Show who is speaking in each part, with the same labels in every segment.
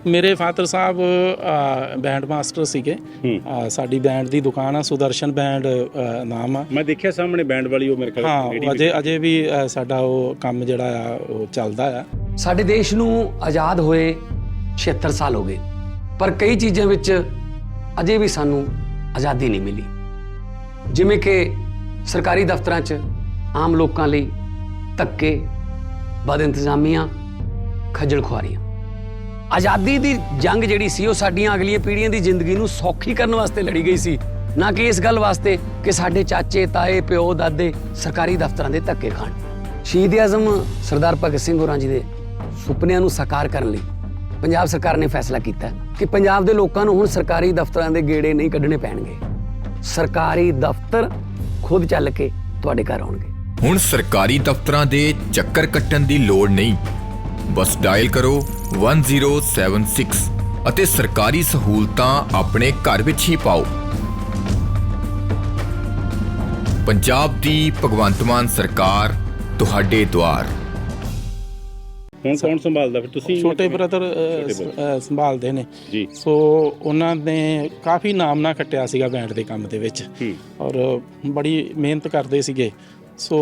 Speaker 1: ਮੇਰੇ ਫਾਦਰ ਸਾਹਿਬ band master ਸੀਗੇ। ਸਾਡੀ ਬੈਂਡ ਦੀ ਦੁਕਾਨ ਆ, ਸੁਦਰਸ਼ਨ ਬੈਂਡ ਨਾਮ ਆ।
Speaker 2: ਮੈਂ ਦੇਖਿਆ ਸਾਹਮਣੇ ਬੈਂਡ ਵਾਲੀ, ਉਹ ਮੇਰੇ ਖਿਆਲ
Speaker 1: ਹਾਂ, ਅਜੇ ਵੀ ਸਾਡਾ ਉਹ ਕੰਮ ਜਿਹੜਾ ਆ ਉਹ ਚੱਲਦਾ ਆ।
Speaker 3: ਸਾਡੇ ਦੇਸ਼ ਨੂੰ ਆਜ਼ਾਦ ਹੋਏ 76 ਸਾਲ ਹੋ ਗਏ, ਪਰ ਕਈ ਚੀਜ਼ਾਂ ਵਿੱਚ ਅਜੇ ਵੀ ਸਾਨੂੰ ਆਜ਼ਾਦੀ ਨਹੀਂ ਮਿਲੀ, ਜਿਵੇਂ ਕਿ ਸਰਕਾਰੀ ਦਫ਼ਤਰਾਂ 'ਚ ਆਮ ਲੋਕਾਂ ਲਈ ਧੱਕੇ, ਬਦ ਇੰਤਜ਼ਾਮੀਆਂ, ਖੱਜਲ ਖੁਆਰੀਆਂ। ਆਜ਼ਾਦੀ ਦੀ ਜੰਗ ਜਿਹੜੀ ਸੀ ਉਹ ਸਾਡੀਆਂ ਅਗਲੀਆਂ ਪੀੜ੍ਹੀਆਂ ਦੀ ਜ਼ਿੰਦਗੀ ਨੂੰ ਸੌਖੀ ਕਰਨ ਵਾਸਤੇ ਲੜੀ ਗਈ ਸੀ, ਨਾ ਕਿ ਇਸ ਗੱਲ ਵਾਸਤੇ ਕਿ ਸਾਡੇ ਚਾਚੇ, ਤਾਏ, ਪਿਓ, ਦਾਦੇ ਸਰਕਾਰੀ ਦਫ਼ਤਰਾਂ ਦੇ ਧੱਕੇ ਖਾਣ। ਸ਼ਹੀਦ ਆਜ਼ਮ ਸਰਦਾਰ ਭਗਤ ਸਿੰਘ ਹੋਰਾਂ ਜੀ ਦੇ ਸੁਪਨਿਆਂ ਨੂੰ ਸਾਕਾਰ ਕਰਨ ਲਈ ਪੰਜਾਬ ਸਰਕਾਰ ਨੇ ਫੈਸਲਾ ਕੀਤਾ ਕਿ ਪੰਜਾਬ ਦੇ ਲੋਕਾਂ ਨੂੰ ਹੁਣ ਸਰਕਾਰੀ ਦਫ਼ਤਰਾਂ ਦੇ ਗੇੜੇ ਨਹੀਂ ਕੱਢਣੇ ਪੈਣਗੇ। ਸਰਕਾਰੀ ਦਫ਼ਤਰ ਖੁਦ ਚੱਲ ਕੇ ਤੁਹਾਡੇ ਘਰ ਆਉਣਗੇ।
Speaker 4: ਹੁਣ ਸਰਕਾਰੀ ਦਫ਼ਤਰਾਂ ਦੇ ਚੱਕਰ ਕੱਟਣ ਦੀ ਲੋੜ ਨਹੀਂ, ਬਸ ਡਾਇਲ ਕਰੋ 1076 ਅਤੇ ਸਰਕਾਰੀ ਸਹੂਲਤਾਂ ਆਪਣੇ ਘਰ ਵਿੱਚ ਹੀ ਪਾਓ। ਪੰਜਾਬ ਦੀ ਭਗਵੰਤ ਮਾਨ ਸਰਕਾਰ ਤੁਹਾਡੇ ਦੁਆਰ।
Speaker 2: ਹੁਣ ਕੌਣ ਸੰਭਾਲਦਾ ਫਿਰ? ਤੁਸੀਂ?
Speaker 1: ਛੋਟੇ ਬ੍ਰਦਰ ਸੰਭਾਲਦੇ ਨੇ
Speaker 2: ਜੀ।
Speaker 1: ਸੋ ਉਹਨਾਂ ਨੇ ਕਾਫੀ ਨਾਮ ਨਾ ਖੱਟਿਆ ਸੀਗਾ ਬੈਂਡ ਦੇ ਕੰਮ ਦੇ ਵਿੱਚ, ਔਰ ਬੜੀ ਮਿਹਨਤ ਕਰਦੇ ਸੀਗੇ। ਸੋ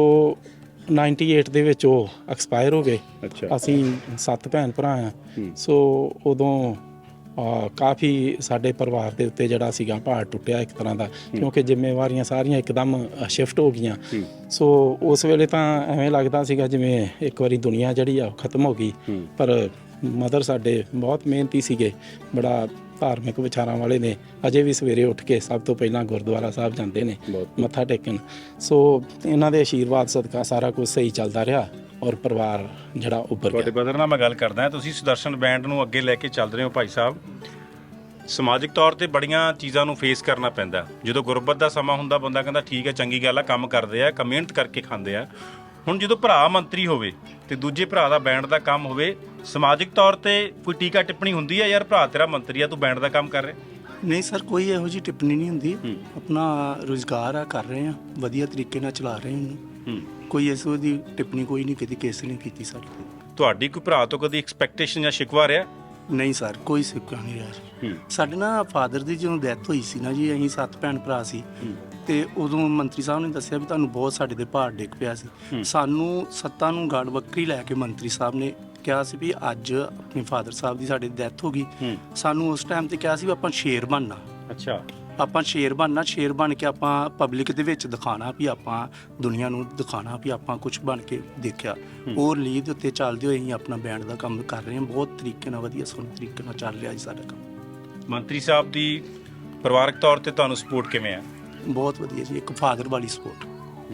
Speaker 1: 98 ਦੇ ਵਿੱਚ ਉਹ ਐਕਸਪਾਇਰ ਹੋ ਗਏ। ਅਸੀਂ 7 ਭੈਣ ਭਰਾ ਆ। ਸੋ ਉਦੋਂ ਕਾਫੀ ਸਾਡੇ ਪਰਿਵਾਰ ਦੇ ਉੱਤੇ ਜਿਹੜਾ ਸੀਗਾ ਭਾਰ ਟੁੱਟਿਆ ਇੱਕ ਤਰ੍ਹਾਂ ਦਾ, ਕਿਉਂਕਿ ਜ਼ਿੰਮੇਵਾਰੀਆਂ ਸਾਰੀਆਂ ਇੱਕਦਮ ਸ਼ਿਫਟ ਹੋ ਗਈਆਂ। ਸੋ ਉਸ ਵੇਲੇ ਤਾਂ ਐਵੇਂ ਲੱਗਦਾ ਸੀਗਾ ਜਿਵੇਂ ਇੱਕ ਵਾਰੀ ਦੁਨੀਆ ਜਿਹੜੀ ਆ ਉਹ ਖਤਮ ਹੋ ਗਈ। ਪਰ ਮਦਰ ਸਾਡੇ ਬਹੁਤ ਮਿਹਨਤੀ ਸੀਗੇ, ਬੜਾ ਧਾਰਮਿਕ ਵਿਚਾਰਾਂ ਵਾਲੇ ਨੇ। ਅਜੇ ਵੀ ਸਵੇਰੇ ਉੱਠ ਕੇ ਸਭ ਤੋਂ ਪਹਿਲਾਂ ਗੁਰਦੁਆਰਾ ਸਾਹਿਬ ਜਾਂਦੇ ਨੇ ਮੱਥਾ ਟੇਕਣ। ਸੋ ਇਹਨਾਂ ਦੇ ਆਸ਼ੀਰਵਾਦ ਸਦਕਾ ਸਾਰਾ ਕੁਝ ਸਹੀ ਚੱਲਦਾ ਰਿਹਾ ਔਰ ਪਰਿਵਾਰ ਜਿਹੜਾ ਉੱਭਰ ਗਿਆ।
Speaker 2: ਤੁਹਾਡੇ ਬ੍ਰਦਰ ਨਾਲ ਮੈਂ ਗੱਲ ਕਰਦਾ, ਤੁਸੀਂ ਸੁਦਰਸ਼ਨ ਬੈਂਡ ਨੂੰ ਅੱਗੇ ਲੈ ਕੇ ਚੱਲ ਰਹੇ ਹੋ ਭਾਈ ਸਾਹਿਬ। ਸਮਾਜਿਕ ਤੌਰ ਤੇ ਬੜੀਆਂ ਚੀਜ਼ਾਂ ਨੂੰ ਫੇਸ ਕਰਨਾ ਪੈਂਦਾ। ਜਦੋਂ ਗੁਰਬਤ ਦਾ ਸਮਾਂ ਹੁੰਦਾ, ਬੰਦਾ ਕਹਿੰਦਾ ਠੀਕ ਹੈ, ਚੰਗੀ ਗੱਲ ਆ, ਕੰਮ ਕਰਦੇ ਆ, ਮਿਹਨਤ ਕਰਕੇ ਖਾਂਦੇ ਆ। ਹੁਣ ਜਦੋਂ ਭਰਾ ਮੰਤਰੀ ਹੋਵੇ ਤੇ ਦੂਜੇ ਭਰਾ ਦਾ ਬੈਂਡ ਦਾ ਕੰਮ ਹੋਵੇ, ਸਮਾਜਿਕ ਤੌਰ ਤੇ ਕੋਈ ਟੀਕਾ ਟਿੱਪਣੀ ਹੁੰਦੀ ਹੈ, ਯਾਰ ਭਰਾ ਤੇਰਾ ਮੰਤਰੀ ਆ, ਤੂੰ ਬੈਂਡ ਦਾ ਕੰਮ ਕਰ ਰਿਹਾ?
Speaker 5: ਨਹੀਂ ਸਰ, ਕੋਈ ਇਹੋ ਜਿਹੀ ਟਿੱਪਣੀ ਨਹੀਂ ਹੁੰਦੀ। ਆਪਣਾ ਰੁਜ਼ਗਾਰ ਆ, ਕਰ ਰਹੇ ਆ, ਵਧੀਆ ਤਰੀਕੇ ਨਾਲ ਚਲਾ ਰਹੇ ਹਾਂ। ਕੋਈ ਇਸ ਦੀ ਟਿੱਪਣੀ ਕੋਈ ਨਹੀਂ, ਕਦੀ ਕਿਸੇ ਨੇ ਕੀਤੀ ਸਾਡੇ ਤੇ।
Speaker 2: ਤੁਹਾਡੀ ਕੋਈ ਭਰਾ ਤੋਂ ਕਦੀ ਐਕਸਪੈਕਟੇਸ਼ਨ ਜਾਂ ਸ਼ਿਕਵਾ ਰਿਹਾ?
Speaker 5: ਨਹੀਂ ਸਰ, ਕੋਈ ਸਿੱਕਾ ਨਹੀਂ ਰਿਹਾ। ਸਾਡੇ ਨਾ ਫਾਦਰ ਦੀ ਜਦੋਂ ਡੈਥ ਹੋਈ ਸੀ ਨਾ ਜੀ, ਅਸੀਂ 7 ਭੈਣ ਭਰਾ ਸੀ, ਤੇ ਉਦੋਂ ਮੰਤਰੀ ਸਾਹਿਬ ਨੇ ਦੱਸਿਆ ਵੀ ਤੁਹਾਨੂੰ ਬਹੁਤ ਸਾਡੇ ਦੇ ਭਾਰ ਡਿੱਗ ਪਿਆ ਸੀ। ਸਾਨੂੰ ਸੱਤਾਂ ਨੂੰ ਗਾੜ ਵੱਖਰੀ ਲੈ ਕੇ ਮੰਤਰੀ ਸਾਹਿਬ ਨੇ ਕਿਹਾ ਸੀ ਵੀ ਅੱਜ ਆਪਣੇ ਫਾਦਰ ਸਾਹਿਬ ਦੀ ਸਾਡੇ ਡੈਥ ਹੋ ਗਈ। ਸਾਨੂੰ ਉਸ ਟਾਈਮ ਤੇ ਕਿਹਾ ਸੀ ਵੀ ਆਪਾਂ ਸ਼ੇਰ ਬਣਨਾ।
Speaker 2: ਅੱਛਾ।
Speaker 5: ਆਪਾਂ ਸ਼ੇਰ ਬਣਨਾ, ਸ਼ੇਰ ਬਣ ਕੇ ਆਪਾਂ ਪਬਲਿਕ ਦੇ ਵਿੱਚ ਦਿਖਾਣਾ ਵੀ ਆਪਾਂ ਦੁਨੀਆ ਨੂੰ ਦਿਖਾਣਾ ਵੀ ਆਪਾਂ ਕੁਝ ਬਣ ਕੇ ਦੇਖਿਆ। ਉਹ ਲੀਡ ਦੇ ਉੱਤੇ ਚੱਲਦੇ ਹੋਏ ਅਸੀਂ ਆਪਣਾ ਬੈਂਡ ਦਾ ਕੰਮ ਕਰ ਰਹੇ ਹਾਂ। ਬਹੁਤ ਤਰੀਕੇ ਨਾਲ, ਵਧੀਆ ਸੋਹਣੇ ਤਰੀਕੇ ਨਾਲ ਚੱਲ ਰਿਹਾ ਜੀ ਸਾਡਾ ਕੰਮ।
Speaker 2: ਮੰਤਰੀ ਸਾਹਿਬ ਦੀ ਪਰਿਵਾਰਕ ਤੌਰ ਤੇ ਤੁਹਾਨੂੰ ਸਪੋਰਟ ਕਿਵੇਂ ਆ?
Speaker 5: ਬਹੁਤ ਵਧੀਆ ਜੀ, ਇੱਕ ਫਾਦਰ ਵਾਲੀ ਸਪੋਰਟ।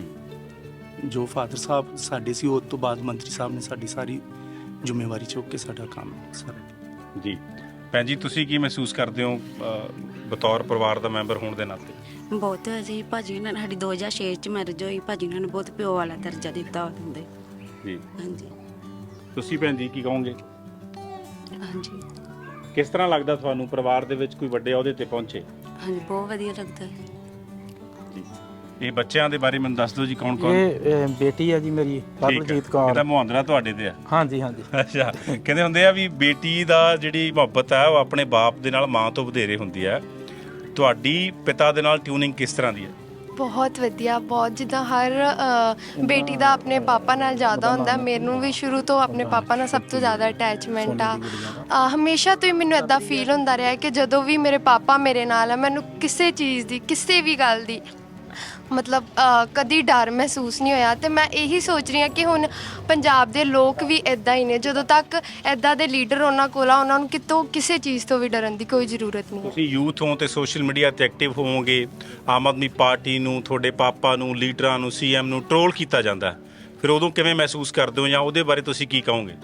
Speaker 5: ਜੋ ਫਾਦਰ ਸਾਹਿਬ ਸਾਡੇ ਸੀ, ਉਸ ਤੋਂ ਬਾਅਦ ਮੰਤਰੀ ਸਾਹਿਬ ਨੇ ਸਾਡੀ ਸਾਰੀ ਜ਼ਿੰਮੇਵਾਰੀ ਚੁੱਕ ਕੇ ਸਾਡਾ ਕੰਮ ਸਾਰਾ। ਜੀ ਭੈਣ ਜੀ, ਤੁਸੀਂ ਕੀ ਮਹਿਸੂਸ ਕਰਦੇ ਹੋ ਬਤੌਰ ਪਰਿਵਾਰ ਦਾ ਮੈਂਬਰ ਹੋਣ ਦੇ ਨਾਤੇ?
Speaker 6: ਬਹੁਤ ਜੀ, ਭਾਜੀ ਉਹਨਾਂ ਨੇ ਸਾਡੀ 2006 ਚ ਮੈਰਿਜ ਹੋਈ। ਭਾਜੀ ਉਹਨਾਂ ਨੇ ਬਹੁਤ ਪਿਓ ਵਾਲਾ ਦਰਜਾ ਦਿੱਤਾ ਹੁੰਦੇ
Speaker 2: ਜੀ।
Speaker 6: ਹਾਂਜੀ।
Speaker 2: ਤੁਸੀਂ ਭੈਣ ਜੀ ਕੀ ਕਹੋਗੇ?
Speaker 6: ਹਾਂਜੀ।
Speaker 2: ਕਿਸ ਤਰ੍ਹਾਂ ਲੱਗਦਾ ਤੁਹਾਨੂੰ ਪਰਿਵਾਰ ਦੇ ਵਿੱਚ ਕੋਈ ਵੱਡੇ ਅਹੁਦੇ ਤੇ ਪਹੁੰਚੇ?
Speaker 6: ਹਾਂਜੀ, ਬਹੁਤ ਵਧੀਆ ਲੱਗਦਾ ਹੈ
Speaker 2: ਜੀ। ਇਹ ਬੱਚਿਆਂ ਦੇ ਬਾਰੇ ਮੈਨੂੰ ਦੱਸ ਦਿਓ ਜੀ, ਕੌਣ ਕੌਣ?
Speaker 1: ਇਹ ਬੇਟੀ ਆ ਜੀ ਮੇਰੀ, ਪਰਮਜੀਤ ਕੌਰ।
Speaker 2: ਇਹਦਾ ਮੁਹਾਂਦਰਾ ਤੁਹਾਡੇ ਤੇ ਆ?
Speaker 1: ਹਾਂਜੀ ਹਾਂਜੀ।
Speaker 2: ਅੱਛਾ। ਕਹਿੰਦੇ ਹੁੰਦੇ ਆ ਵੀ ਬੇਟੀ ਦਾ ਜਿਹੜੀ ਮੁਹੱਬਤ ਹੈ ਉਹ ਆਪਣੇ ਬਾਪ ਦੇ ਨਾਲ ਮਾਂ ਤੋਂ ਵਧੇਰੇ ਹੁੰਦੀ ਹੈ। ਤੁਹਾਡੀ ਪਿਤਾ ਦੇ ਨਾਲ ਟਿਊਨਿੰਗ ਕਿਸ ਤਰ੍ਹਾਂ ਦੀ ਹੈ?
Speaker 7: ਬਹੁਤ ਵਧੀਆ, ਬਹੁਤ। ਜਿੱਦਾਂ ਹਰ ਬੇਟੀ ਦਾ ਆਪਣੇ ਪਾਪਾ ਨਾਲ ਜ਼ਿਆਦਾ ਹੁੰਦਾ, ਮੈਨੂੰ ਵੀ ਸ਼ੁਰੂ ਤੋਂ ਆਪਣੇ ਪਾਪਾ ਨਾਲ ਸਭ ਤੋਂ ਜ਼ਿਆਦਾ ਅਟੈਚਮੈਂਟ ਆ। ਹਮੇਸ਼ਾ ਤੋਂ ਹੀ ਮੈਨੂੰ ਇੱਦਾਂ ਫੀਲ ਹੁੰਦਾ ਰਿਹਾ ਕਿ ਜਦੋਂ ਵੀ ਮੇਰੇ ਪਾਪਾ ਮੇਰੇ ਨਾਲ ਆ, ਮੈਨੂੰ ਕਿਸੇ ਚੀਜ਼ ਦੀ, ਕਿਸੇ ਵੀ ਗੱਲ ਦੀ ਮਤਲਬ ਕਦੀ ਡਰ ਮਹਿਸੂਸ ਨਹੀਂ ਹੋਇਆ। ਤੇ ਮੈਂ ਇਹੀ ਸੋਚ ਰਹੀ ਹਾਂ ਕਿ ਹੁਣ ਪੰਜਾਬ ਦੇ ਲੋਕ ਵੀ ਇੱਦਾਂ ਹੀ ਨੇ। ਜਦੋਂ ਤੱਕ ਇੱਦਾਂ ਦੇ ਲੀਡਰ ਉਹਨਾਂ ਕੋਲ ਆ, ਉਹਨਾਂ ਨੂੰ ਕਿਤੋਂ ਕਿਸੇ ਚੀਜ਼ ਤੋਂ ਵੀ ਡਰਨ ਦੀ ਕੋਈ ਜ਼ਰੂਰਤ ਨਹੀਂ।
Speaker 2: ਤੁਸੀਂ ਯੂਥ ਹੋ ਤੇ ਸੋਸ਼ਲ ਮੀਡੀਆ ਤੇ ਐਕਟਿਵ ਹੋਵੋਗੇ। ਆਮ ਆਦਮੀ ਪਾਰਟੀ ਨੂੰ, ਤੁਹਾਡੇ ਪਾਪਾ ਨੂੰ, ਲੀਡਰਾਂ ਨੂੰ, ਸੀਐਮ ਨੂੰ ਟਰੋਲ ਕੀਤਾ ਜਾਂਦਾ, ਫਿਰ ਉਦੋਂ ਕਿਵੇਂ ਮਹਿਸੂਸ ਕਰਦੇ ਹੋ, ਜਾਂ ਉਹਦੇ ਬਾਰੇ ਤੁਸੀਂ ਕੀ ਕਹੋਗੇ?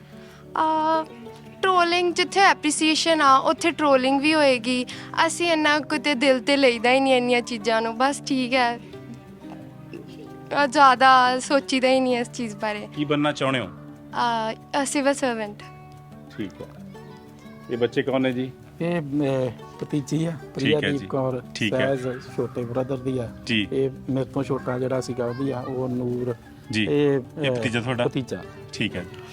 Speaker 7: ਟਰੋਲਿੰਗ, ਜਿੱਥੇ ਐਪਰੀਸੀਏਸ਼ਨ ਆ ਉੱਥੇ ਟਰੋਲਿੰਗ ਵੀ ਹੋਏਗੀ। ਅਸੀਂ ਇੰਨਾ ਕਿਤੇ ਦਿਲ ਤੇ ਲਈਦਾ ਹੀ ਨਹੀਂ ਇੰਨੀਆਂ ਚੀਜ਼ਾਂ ਨੂੰ। ਬਸ ਠੀਕ ਹੈ, ਜ਼ਿਆਦਾ ਸੋਚੀਦਾ ਹੀ ਨਹੀਂ ਇਸ ਚੀਜ਼ ਬਾਰੇ।
Speaker 2: ਕੀ ਬਣਨਾ ਚਾਹੁੰਦੇ ਹੋ?
Speaker 7: Civil servant.
Speaker 2: ਠੀਕ ਹੈ। ਇਹ ਬੱਚੇ ਕੌਣ ਨੇ ਜੀ?
Speaker 1: ਇਹ ਭਤੀਜੀ ਆ, ਪ੍ਰਿਆਦੀਪ ਕੌਰ, ਸਹਿਜ ਛੋਟੇ ਬ੍ਰਦਰ ਦੀ ਆ। ਇਹ ਮੇਰੇ ਤੋਂ ਛੋਟਾ ਜਿਹੜਾ ਸੀਗਾ ਉਹਦੀ ਆ, ਉਹ ਨੂਰ ਜੀ। ਇਹ ਭਤੀਜਾ ਤੁਹਾਡਾ? ਭਤੀਜਾ।
Speaker 2: ਠੀਕ ਹੈ।